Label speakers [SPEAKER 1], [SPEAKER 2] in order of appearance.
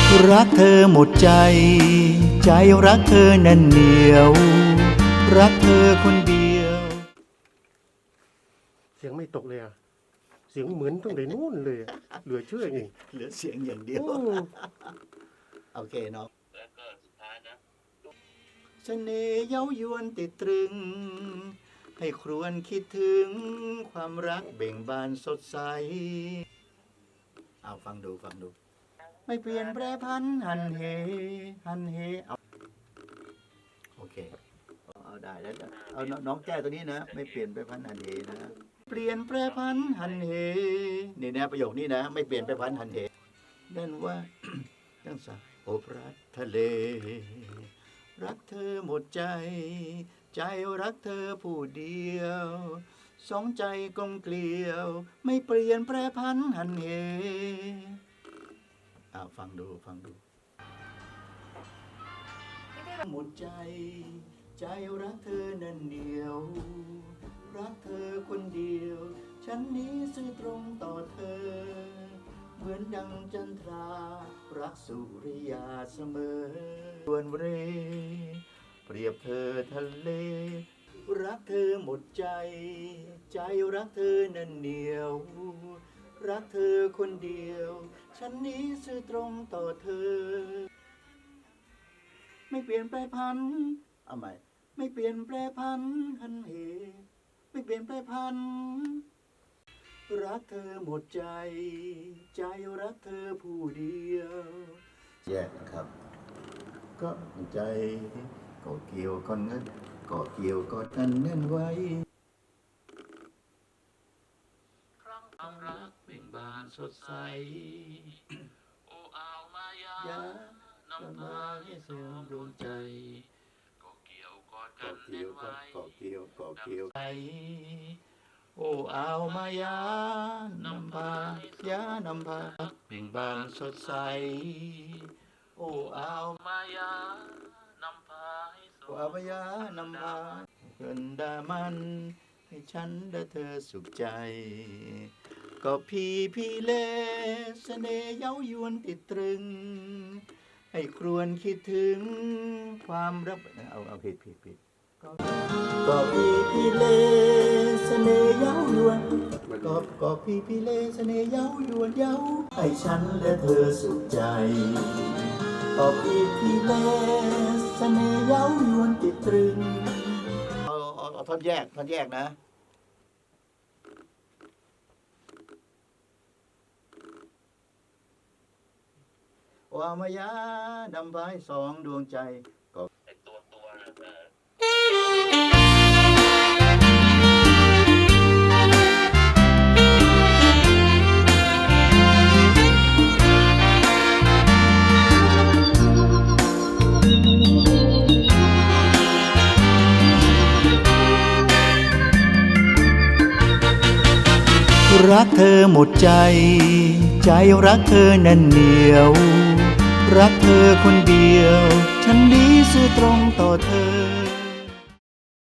[SPEAKER 1] รักเธอหมดใจใจรักเธอแน่นเหนียวรักเธอคนเดียว
[SPEAKER 2] เสียงไม่ตกเลยอ่ะเสียงเหมือนตั้งแต่นู่นเลยเหลือเชื่อเอง
[SPEAKER 1] เหลือเสียงอย่างเดียวโอเคเนาะ
[SPEAKER 3] แล้วก็สุดท้ายนะ
[SPEAKER 1] เสน่ห์เย้ายวนติดตรึงให้ครวญคิดถึงความรักเบ่งบานสดใสเอาฟังดูไม่เปลี่ยนแปรพันหันเหเอาโอเคเอาได้แล้วเอาน้องแก้ตัวนี้นะไม่เปลี่ยนแปรพันหันเหนะเปลี่ยนแปรพันหันเหนี่นะประโยคนี้นะไม่เปลี่ยนแปรพันหันเหนั่นว่า ตั้งสาโอบรักทะเลรักเธอหมดใจใจรักเธอผู้เดียวสองใจกลมเกลียวไม่เปลี่ยนแปรพันหันเหฟังดูหมดใจใจรักเธอนั่นเดียวรักเธอคนเดียวฉันนี้ซื่อตรงต่อเธอเหมือนดังจันทรารักสุริยาเสมอดวนเรเปรียบเธอทะเลรักเธอหมดใจใจรักเธอนั่นเหนียวรักเธอคนเดียวฉันนี้ซื่อตรงต่อเธอไม่เปลี่ยนแปรพันเอาใหม่ไม่เปลี่ยนแปรพันหันเหไม่เปลี่ยนแปรพันรักเธอหมดใจใจรักเธอผู้เดียวแยกนะครับก็ใจก็เกี่ยวก่อนนั้นก็เกี่ยวก่อนกันแน่นไว้
[SPEAKER 3] ครั้งความรักเบ่งบานสดใสโอ้อาวมายานำพาให้สวมดวงใจก็เกี่ยวกอดกันแน่นไว้
[SPEAKER 1] ก็เกี่ยวใจโอ้อาวมายานำพานำพาเบ่งบานสดใสโอ้อาว
[SPEAKER 3] มายานำพาให้สว
[SPEAKER 1] อาวมายานำพาเกินดามันให้ฉันและเธอสุขใจก็พี่เล่เสน่ห์เย้ายวนติดตรึงให้ครวญคิดถึงความรักเอาผิดก็พี่เล่เสน่ห์เย้ายวนก็พี่เล่เสน่ห์เย้ายวนเย้าให้ฉันและเธอสุขใจก็พี่เล่เสน่ห์เย้ายวนติดตรึงเอาท่อนแยกนะว่ามายานำพาสองดวงใจก็
[SPEAKER 3] ตัวนะ
[SPEAKER 1] รักเธอหมดใจใจรักเธอแน่นเหนียวรักเธอคนเดียวฉันนี้ซื่อตรงต่อเธอ